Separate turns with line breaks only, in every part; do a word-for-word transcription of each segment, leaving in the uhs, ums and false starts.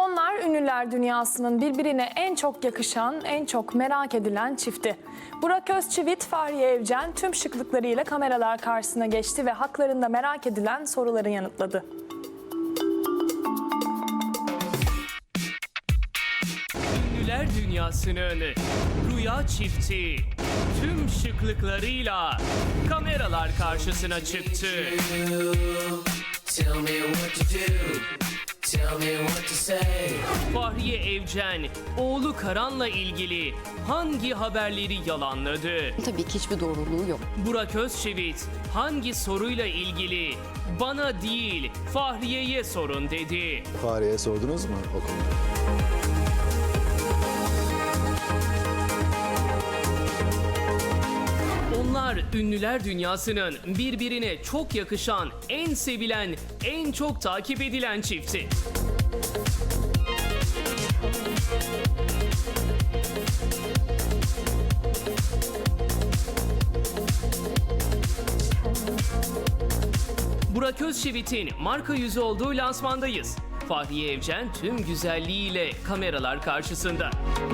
Onlar ünlüler dünyasının birbirine en çok yakışan, en çok merak edilen çifti. Burak Özçivit, Fahriye Evcen tüm şıklıklarıyla kameralar karşısına geçti ve haklarında merak edilen soruları yanıtladı.
Ünlüler dünyasının rüya çifti tüm şıklıklarıyla kameralar karşısına çıktı.
Tell me what to do. Tell me what to say.
Fahriye Evcen, oğlu Karan'la ilgili hangi haberleri yalanladı?
Tabii ki hiçbir doğruluğu yok.
Burak Özçivit hangi soruyla ilgili bana değil Fahriye'ye sorun dedi.
Fahriye'ye sordunuz mu o konuda?
Onlar ünlüler dünyasının birbirine çok yakışan, en sevilen, en çok takip edilen çifti. Burak Özçivit'in marka yüzü olduğu lansmandayız. Fahriye Evcen tüm güzelliğiyle kameralar karşısında.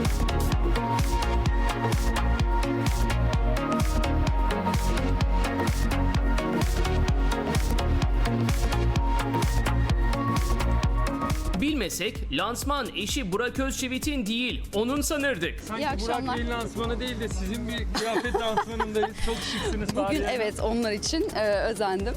Bilmesek lansman eşi Burak Özçivit'in değil, onun sanırdık.
Sanki
İyi akşamlar.
Burak Bey'in lansmanı değil de sizin bir kıyafet lansmanındayız. Çok şıksınız.
Bugün
Fahriye Hanım.
evet onlar için e, özendim.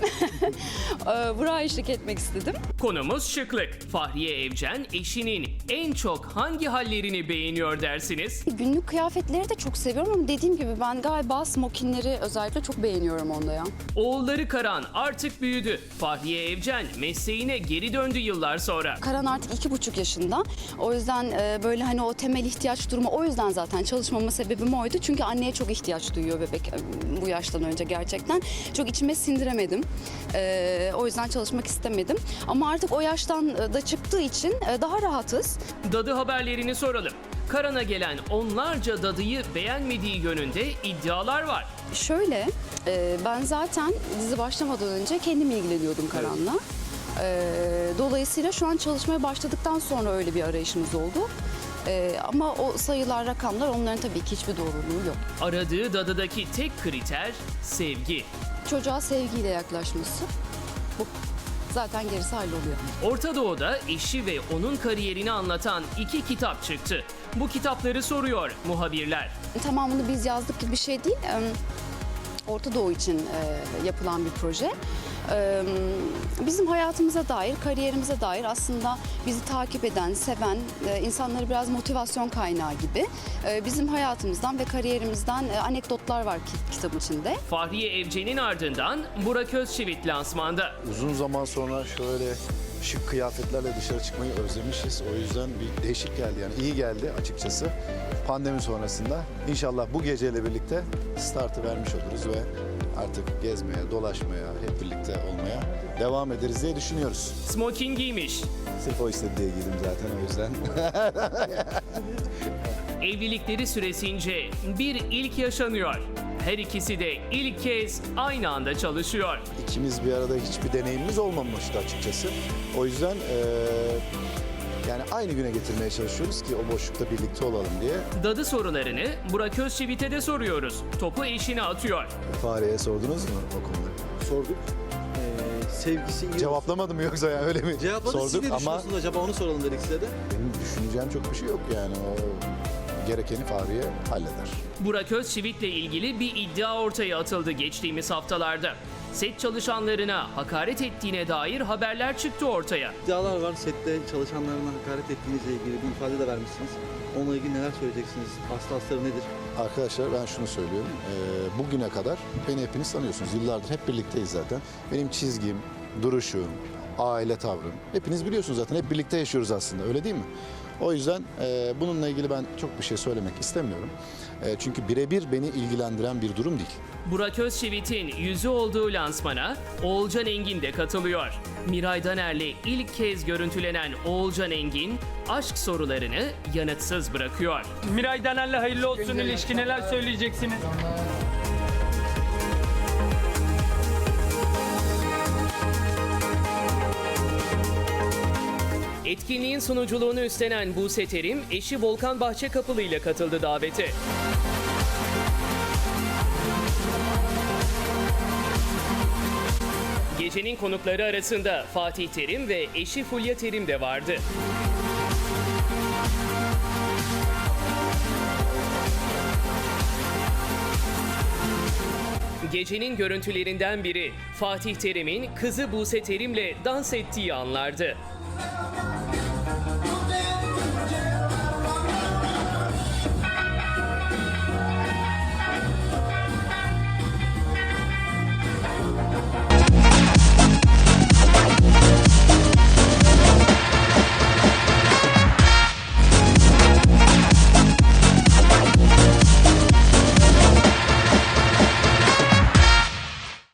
e, Burak'a eşlik etmek istedim.
Konumuz şıklık. Fahriye Evcen eşinin en çok hangi hallerini beğeniyor dersiniz?
Günlük kıyafetleri de çok seviyorum ama dediğim gibi ben galiba smokinleri özellikle çok beğeniyorum onda ya.
Oğulları Karan artık büyüdü. Fahriye Evcen mesleğine geri döndü yıllar sonra.
Karan artık iki buçuk yaşında. O yüzden e, böyle hani o temel ihtiyaç durumu, o yüzden zaten çalışmama sebebim oydu. Çünkü anneye çok ihtiyaç duyuyor bebek e, bu yaştan önce gerçekten. Çok içime sindiremedim. E, o yüzden çalışmak istemedim. Ama artık o yaştan e, da çıktığı için e, daha rahatız.
Dadı haberlerini soralım. Karan'a gelen onlarca dadıyı beğenmediği yönünde iddialar var.
Şöyle, e, ben zaten dizi başlamadan önce kendim ilgileniyordum Karan'la. E, dolayısıyla şu an çalışmaya başladıktan sonra öyle bir arayışımız oldu. E, ama o sayılar, rakamlar onların tabii ki hiçbir doğruluğu yok.
Aradığı dadıdaki tek kriter sevgi.
Çocuğa sevgiyle yaklaşması, bu. Zaten gerisi halloluyor.
Orta Doğu'da eşi ve onun kariyerini anlatan iki kitap çıktı. Bu kitapları soruyor muhabirler.
Tamamını biz yazdık gibi bir şey değil. E, Orta Doğu için e, yapılan bir proje. E, bizim hayatımıza dair, kariyerimize dair aslında bizi takip eden, seven, e, insanları biraz motivasyon kaynağı gibi e, bizim hayatımızdan ve kariyerimizden e, anekdotlar var ki, kitabın içinde.
Fahriye Evcen'in ardından Burak Özçivit lansmanda.
Uzun zaman sonra şöyle şık kıyafetlerle dışarı çıkmayı özlemişiz. O yüzden bir değişik geldi, yani iyi geldi açıkçası. Pandemi sonrasında inşallah bu geceyle birlikte startı vermiş oluruz ve artık gezmeye, dolaşmaya, hep birlikte olmaya devam ederiz diye düşünüyoruz.
Smoking giymiş.
Sırf o istedi diye giydim zaten, o yüzden.
Evlilikleri süresince bir ilk yaşanıyor. Her ikisi de ilk kez aynı anda çalışıyor.
İkimiz bir arada hiçbir deneyimimiz olmamıştı açıkçası. O yüzden eee, yani aynı güne getirmeye çalışıyoruz ki o boşlukta birlikte olalım diye.
Dadı sorularını Burak Özçivit'e de soruyoruz. Topu eşine atıyor.
Fahriye'ye sordunuz mu o konuda?
Sorduk. Ee, sevgisi iyi.
Cevaplamadım yoksa yani öyle mi?
Cevapladı. Siz ne
Sorduk ama
düşünüyorsunuz acaba, onu soralım dedik size de.
benim düşüneceğim çok bir şey yok yani. O gerekeni Fahriye halleder.
Burak Özçivit'le ilgili bir iddia ortaya atıldı geçtiğimiz haftalarda. Set çalışanlarına hakaret ettiğine dair haberler çıktı ortaya.
İddialar var, sette çalışanlarına hakaret ettiğinizle ilgili bir ifade de vermişsiniz. Onunla ilgili neler söyleyeceksiniz? Aslı astarı nedir?
Arkadaşlar ben şunu söylüyorum. Ee, bugüne kadar beni hepiniz tanıyorsunuz. Yıllardır hep birlikteyiz zaten. Benim çizgim, duruşum, aile tavrım. Hepiniz biliyorsunuz zaten. Hep birlikte yaşıyoruz aslında. Öyle değil mi? O yüzden e, bununla ilgili ben çok bir şey söylemek istemiyorum. E, çünkü birebir beni ilgilendiren bir durum değil.
Burak Özçivit'in yüzü olduğu lansmana Oğulcan Engin de katılıyor. Miray Daner'le ilk kez görüntülenen Oğulcan Engin aşk sorularını yanıtsız bırakıyor.
Miray Daner'le hayırlı olsun ilişki, neler söyleyeceksiniz?
Etkinliğin sunuculuğunu üstlenen Buse Terim, eşi Volkan Bahçekapılı ile katıldı davete. Gecenin konukları arasında Fatih Terim ve eşi Fulya Terim de vardı. Gecenin görüntülerinden biri Fatih Terim'in kızı Buse Terim'le dans ettiği anlardı.